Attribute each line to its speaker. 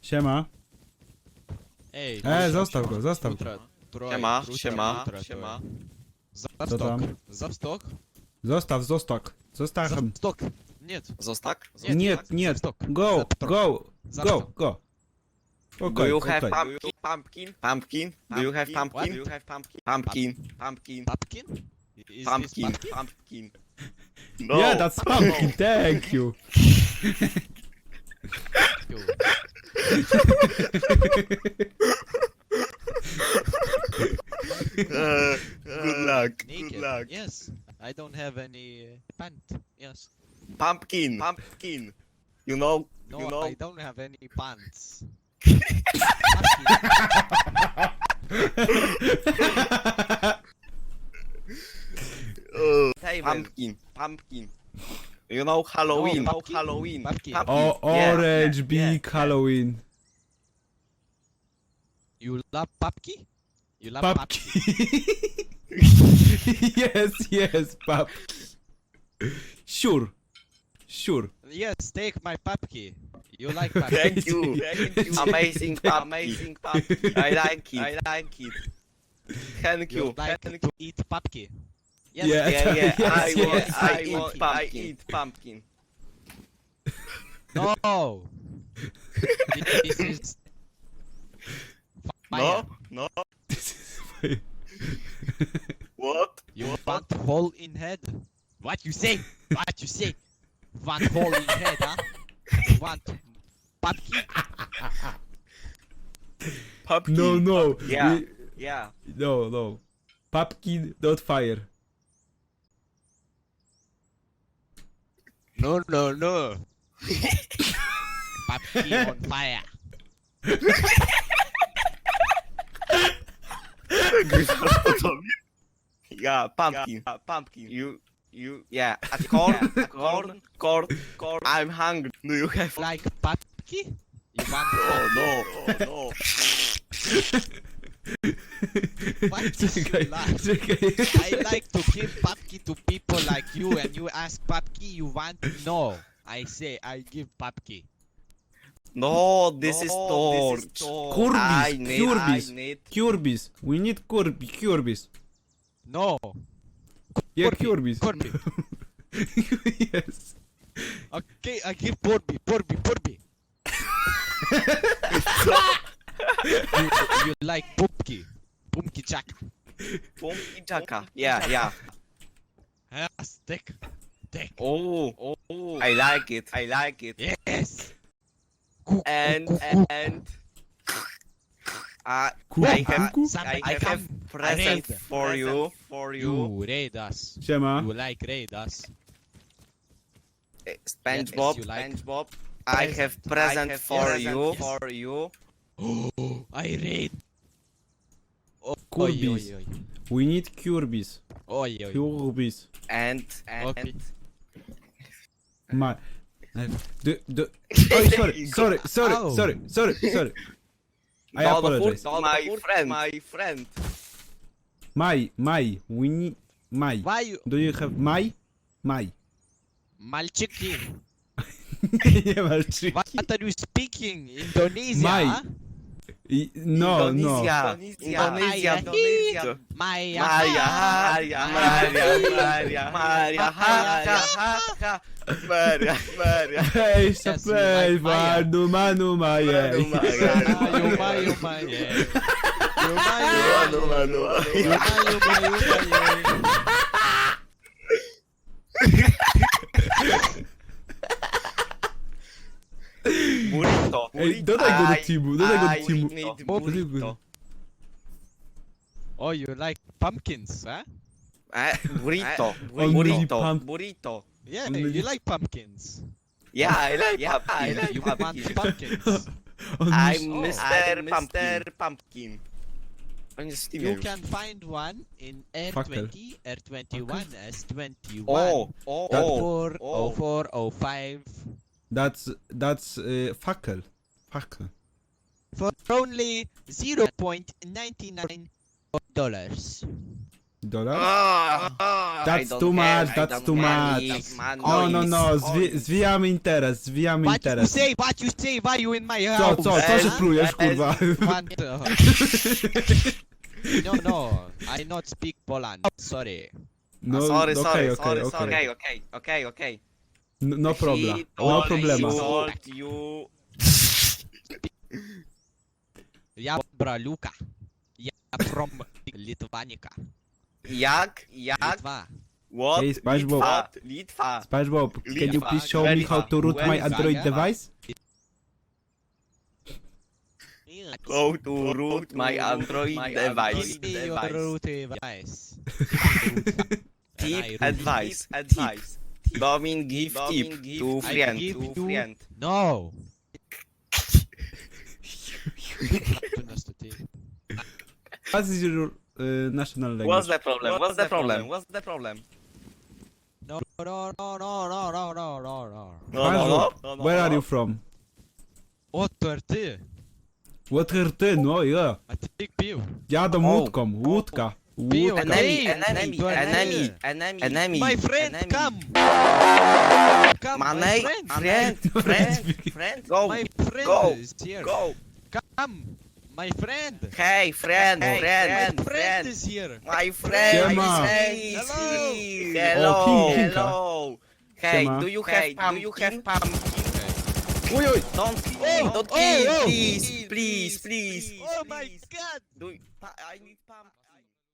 Speaker 1: Siema.
Speaker 2: Ej,
Speaker 1: Zostaw go, zostaw go.
Speaker 3: Siema, siema, siema.
Speaker 1: Co tam?
Speaker 2: Zawstok?
Speaker 1: Zostaw, zostaw.
Speaker 2: Zawstok. Нет.
Speaker 3: Zostak?
Speaker 1: Nie.
Speaker 2: Zawstok.
Speaker 1: Go.
Speaker 2: Zawstok.
Speaker 1: Go.
Speaker 3: Do
Speaker 1: Okay,
Speaker 3: you have
Speaker 1: okay.
Speaker 3: pumpkin? Pumpkin? Do you have pumpkin?
Speaker 2: What?
Speaker 3: Do you have pumpkin? Pumpkin. Pumpkin.
Speaker 2: Pumpkin? Is this
Speaker 3: Pumpkin.
Speaker 2: pumpkin?
Speaker 3: Pumpkin. No.
Speaker 1: Yeah, that's pumpkin, thank you.
Speaker 2: You.
Speaker 3: Good luck.
Speaker 2: Naked.
Speaker 3: Good luck.
Speaker 2: Yes. I don't have any pant. Yes.
Speaker 3: Pumpkin. Pumpkin. You know?
Speaker 2: No,
Speaker 3: You know?
Speaker 2: I don't have any pants.
Speaker 3: Pumpkin. Pumpkin. You know Halloween?
Speaker 2: No,
Speaker 3: Oh,
Speaker 2: pumpkin.
Speaker 3: Halloween.
Speaker 2: Pumpkin.
Speaker 1: Oh,
Speaker 3: Yeah,
Speaker 1: orange
Speaker 3: yeah,
Speaker 1: big
Speaker 3: yeah.
Speaker 1: Halloween.
Speaker 2: You love pumpkin? You love
Speaker 1: Pumpkin. yes, pumpkin. Sure.
Speaker 2: Yes, take my pumpkin. You like pumpkin?
Speaker 3: Thank you. Thank you. Amazing pumpkin. Amazing pumpkin. I like it. I like it. Thank
Speaker 2: You
Speaker 3: you.
Speaker 2: like
Speaker 3: Thank
Speaker 2: to eat pumpkin? Yes.
Speaker 1: Yeah.
Speaker 3: Yeah, yeah.
Speaker 1: Yes,
Speaker 3: I
Speaker 1: yes.
Speaker 3: eat pumpkin.
Speaker 2: No. This is fire.
Speaker 3: No, no.
Speaker 1: This is fire.
Speaker 3: What?
Speaker 2: You want hole in head? What you say? What you say? Want hole in head, huh? You want pumpkin?
Speaker 3: Pumpkin.
Speaker 1: No.
Speaker 3: Yeah.
Speaker 1: We-
Speaker 3: Yeah.
Speaker 1: No. Pumpkin, not fire.
Speaker 2: No. Pumpkin on fire.
Speaker 3: Yeah, pumpkin. Pumpkin. Yeah. Corn. I'm hungry. Do you have?
Speaker 2: Like pumpkin? You want
Speaker 3: Oh no.
Speaker 2: What do you
Speaker 1: Czekaj,
Speaker 2: like?
Speaker 1: czekaj.
Speaker 2: I like to give pumpkin to people like you, and you ask pumpkin, you want? No. I say I give pumpkin.
Speaker 3: No, this is torch. I need.
Speaker 1: Curbis. We need Curbis.
Speaker 2: No.
Speaker 1: Yeah,
Speaker 2: Corby,
Speaker 1: Curbis.
Speaker 2: Corby.
Speaker 1: Yes.
Speaker 2: Okay, I give Porby. you like Pumpkin Jack.
Speaker 3: Pumpkin jacka. Yeah.
Speaker 2: Yes, take.
Speaker 3: Oh. I like it.
Speaker 2: Yes.
Speaker 3: And I have present
Speaker 2: Raid.
Speaker 3: for you.
Speaker 2: You raid us.
Speaker 1: Siema.
Speaker 2: You like raid us.
Speaker 3: SpongeBob.
Speaker 2: Yes, you like.
Speaker 3: SpongeBob. I have present for you.
Speaker 2: Yes. I raid. Oh,
Speaker 1: Curbis. We need Curbis.
Speaker 2: Oi.
Speaker 1: Curbis.
Speaker 3: And
Speaker 2: Okay.
Speaker 1: My. Oh, sorry. I apologize.
Speaker 3: My friend.
Speaker 1: My. We need my.
Speaker 2: Why you
Speaker 1: Do you have my?
Speaker 2: Malchiki?
Speaker 1: Nie walczy.
Speaker 2: What are you speaking? Indonesia?
Speaker 1: My.
Speaker 2: Huh?
Speaker 1: No.
Speaker 3: Indonesia.
Speaker 2: Maya.
Speaker 3: Maria.
Speaker 1: Hej,
Speaker 2: Yes,
Speaker 1: sapej,
Speaker 2: you like Maya.
Speaker 1: manu maje.
Speaker 2: Mayo.
Speaker 3: Burrito.
Speaker 1: Ej, dodaj go do teamu, dodaj go do
Speaker 3: I
Speaker 1: teamu.
Speaker 3: need
Speaker 1: Burrito.
Speaker 2: Oh, you like pumpkins, huh?
Speaker 3: Burrito.
Speaker 1: Only
Speaker 3: Burrito.
Speaker 2: Yeah,
Speaker 1: Only-
Speaker 2: you like pumpkins.
Speaker 3: Yeah, I like
Speaker 2: You want pumpkins.
Speaker 3: I'm
Speaker 2: Oh.
Speaker 3: Mr. Pumpkin. On jest
Speaker 2: You
Speaker 3: Steamie
Speaker 2: can find one in R20, R21, S21,
Speaker 3: Oh.
Speaker 2: O4, O4, O5
Speaker 1: That's fackel.
Speaker 2: for only $0.99.
Speaker 1: Dolar?
Speaker 3: I
Speaker 1: That's
Speaker 3: don't
Speaker 1: too
Speaker 3: have-
Speaker 1: much,
Speaker 3: I
Speaker 1: that's
Speaker 3: don't
Speaker 1: too
Speaker 3: have
Speaker 1: much.
Speaker 3: money.
Speaker 1: No, zwijamy interes, zwijamy
Speaker 2: What you
Speaker 1: interes.
Speaker 2: say? What you say? Why you in my
Speaker 1: Co,
Speaker 2: house?
Speaker 1: co się
Speaker 2: huh?
Speaker 1: plujesz, kurwa?
Speaker 2: Want, no, I not speak Poland. Sorry.
Speaker 1: No,
Speaker 3: Sorry,
Speaker 1: okej,
Speaker 3: sorry,
Speaker 1: okej,
Speaker 3: sorry,
Speaker 1: okej.
Speaker 3: okay.
Speaker 1: No problem,
Speaker 3: He
Speaker 1: no
Speaker 3: told
Speaker 1: problema.
Speaker 3: you.
Speaker 2: Я Бралюка. Я from Litvanica.
Speaker 3: Jak?
Speaker 2: Litva.
Speaker 3: What?
Speaker 1: Hey, SpongeBob.
Speaker 3: Litwa.
Speaker 1: SpongeBob, can you
Speaker 3: Litwa,
Speaker 1: please show me how to root my
Speaker 3: Litwa,
Speaker 1: Android
Speaker 2: Litwa.
Speaker 1: device?
Speaker 3: How to root my Android device.
Speaker 2: Give me your root device.
Speaker 3: Tip advice. Domin give tip to
Speaker 2: I
Speaker 3: friend.
Speaker 2: give
Speaker 3: To
Speaker 2: you-
Speaker 3: friend.
Speaker 2: No.
Speaker 1: What is your national language?
Speaker 3: What's the problem? What's the problem? What's the problem?
Speaker 2: No, no, no, no, no, no, no, no, no.
Speaker 1: SpongeBob, where are you from?
Speaker 2: Отвор ты.
Speaker 1: What are ty? No, yeah.
Speaker 2: A ty pił.
Speaker 1: Jadą
Speaker 3: Oh.
Speaker 1: łódką, łódka.
Speaker 2: Pił.
Speaker 1: Łódka.
Speaker 3: Enemy.
Speaker 2: My friend,
Speaker 3: enemy.
Speaker 2: come. Come,
Speaker 3: My
Speaker 2: my
Speaker 3: friend. Friend. Go.
Speaker 2: My friend
Speaker 3: Go.
Speaker 2: is here.
Speaker 3: Go.
Speaker 2: Come. My friend.
Speaker 3: Hey, friend.
Speaker 2: My friend
Speaker 3: Friend.
Speaker 2: is here.
Speaker 3: My friend.
Speaker 1: Siema.
Speaker 2: Hello.
Speaker 3: Hello.
Speaker 1: O, Pinka.
Speaker 3: Hello. Hey,
Speaker 1: Siema.
Speaker 3: do you have pumpkin?
Speaker 1: Oj, oj.
Speaker 3: Don't
Speaker 2: Oh,
Speaker 3: don't
Speaker 2: oh,
Speaker 3: kill,
Speaker 2: oh.
Speaker 3: please.
Speaker 2: Oh my god.
Speaker 3: I need pumpkin.